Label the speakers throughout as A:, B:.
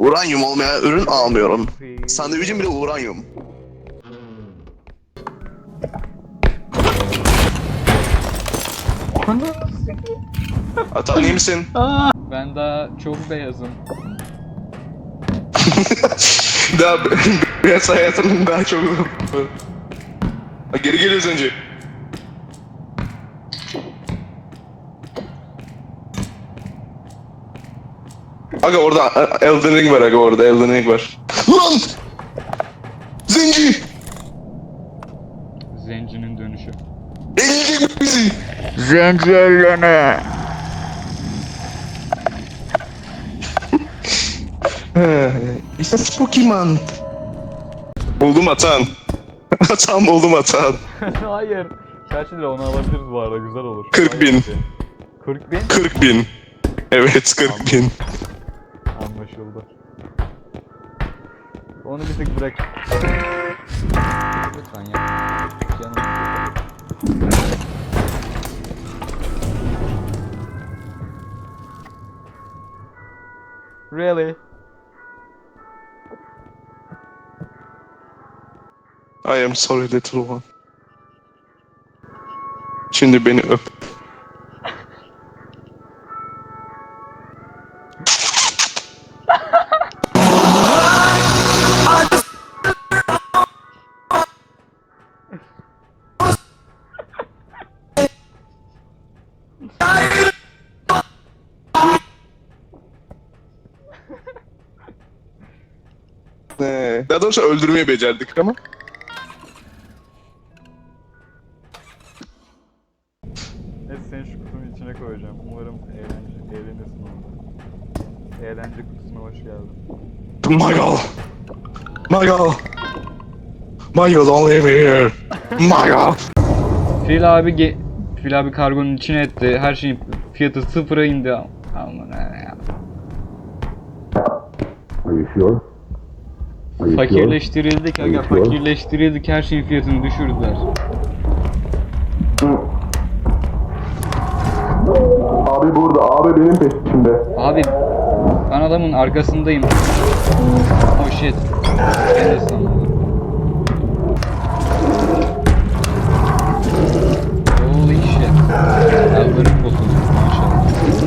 A: Uranyum olmayan ürün almıyorum. Sandviçim bile uranyum. Atan iyi misin?
B: Ben daha çok beyazım.
A: Daha beyaz hayatının daha çok... Geri geliyoruz önce. Aga orada Elden Ring var, aga orada Elden Ring var. Lan! Zenci!
B: Zencinin dönüşü.
A: Elleyecek bizi!
B: Zenci ellene.
A: İşte Pokemon. Buldum Atan. Atan buldum Atan.
B: Hayır. Kaç lira onu alabiliriz bu arada, güzel olur.
A: 40.000.
B: 40 bin?
A: 40.000. Evet 40.000.
B: Anlaşıldı. Onu bir tık bırak. Lütfen ya. Canım. Really?
A: I am sorry little one. Şimdi beni öp. Daha doğrusu öldürmeyi becerdik ama.
B: Neyse, seni şu kutunun içine koyacağım. Umarım eğlenirsin orada. Eğlence kutusuna hoş geldin.
A: Michael! Michael! Michael, don't leave me here! Michael!
B: Fil abi kargonun içine etti. Her şeyin fiyatı sıfıra indi. Aman ya.
C: Are you sure? Are you sure?
B: Fakirleştirildik aga, fakirleştirildik. Her şeyin fiyatını düşürdüler.
A: Abi burada, abi benim peşimde.
B: Abi ben adamın arkasındayım. Oh shit. Ben de sandım. Holy shit. Ellerim bozuldu maşallah.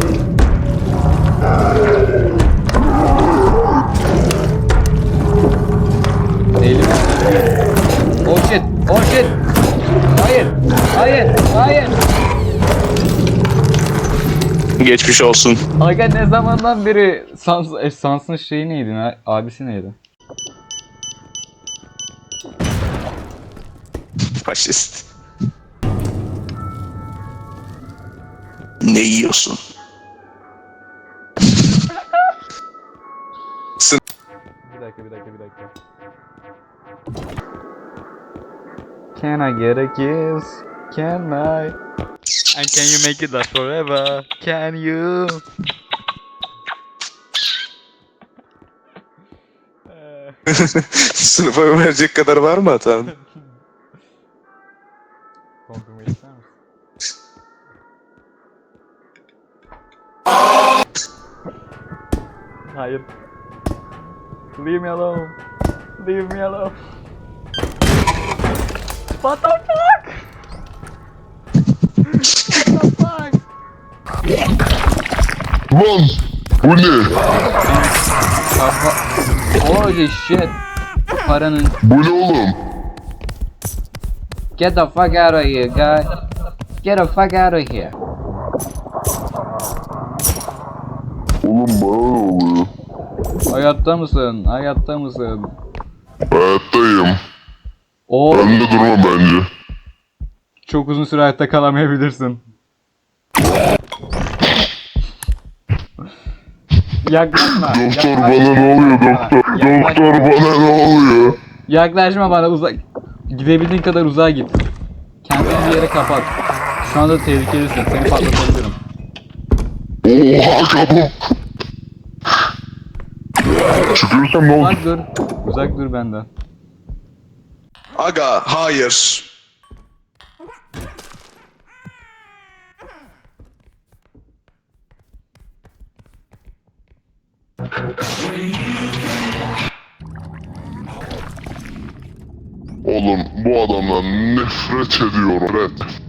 B: Elim. Oh shit. Oh shit. Hayır. Hayır. Hayır.
A: Geçmiş olsun.
B: Aga ne zamandan beri Sans'ın şeyi neydi? Abisi neydi?
A: Faşist. Ne yiyorsun?
B: Bir dakika. Can I get a kiss? Can I? And can you make it last forever? Can you?
A: Sınıfa verecek kadar var mı Atan?
B: Konfirme ister misin? Hayır. Leave me alone. Leave me alone. What the fuck? What the fuck?
C: Lan! Bu ne?
B: Holy shit. Paranın.
C: Bu ne oğlum?
B: Get the fuck out of here, guy. Get the fuck out of here.
C: Oğlum bana ne oluyor?
B: Hayatta mısın? Hayatta mısın?
C: Hayattayım.
B: O
C: Ben de durma bence.
B: çok uzun süre hayatta kalamayabilirsin. Yaklaşma.
C: Doktor bana ne oluyor doktor? Doktor bana ne oluyor?
B: Yaklaşma bana, uzak. Gidebildiğin kadar uzağa git. Kendini bir yere kapat. Şu anda tehlikelisin. Seni patlatabilirim.
C: Oha çabuk. Çıkıyorsam ne oldu?
B: Uzak dur. Uzak dur benden.
A: Aga, hayır.
C: Oğlum bu adamdan nefret ediyorum. Nefret.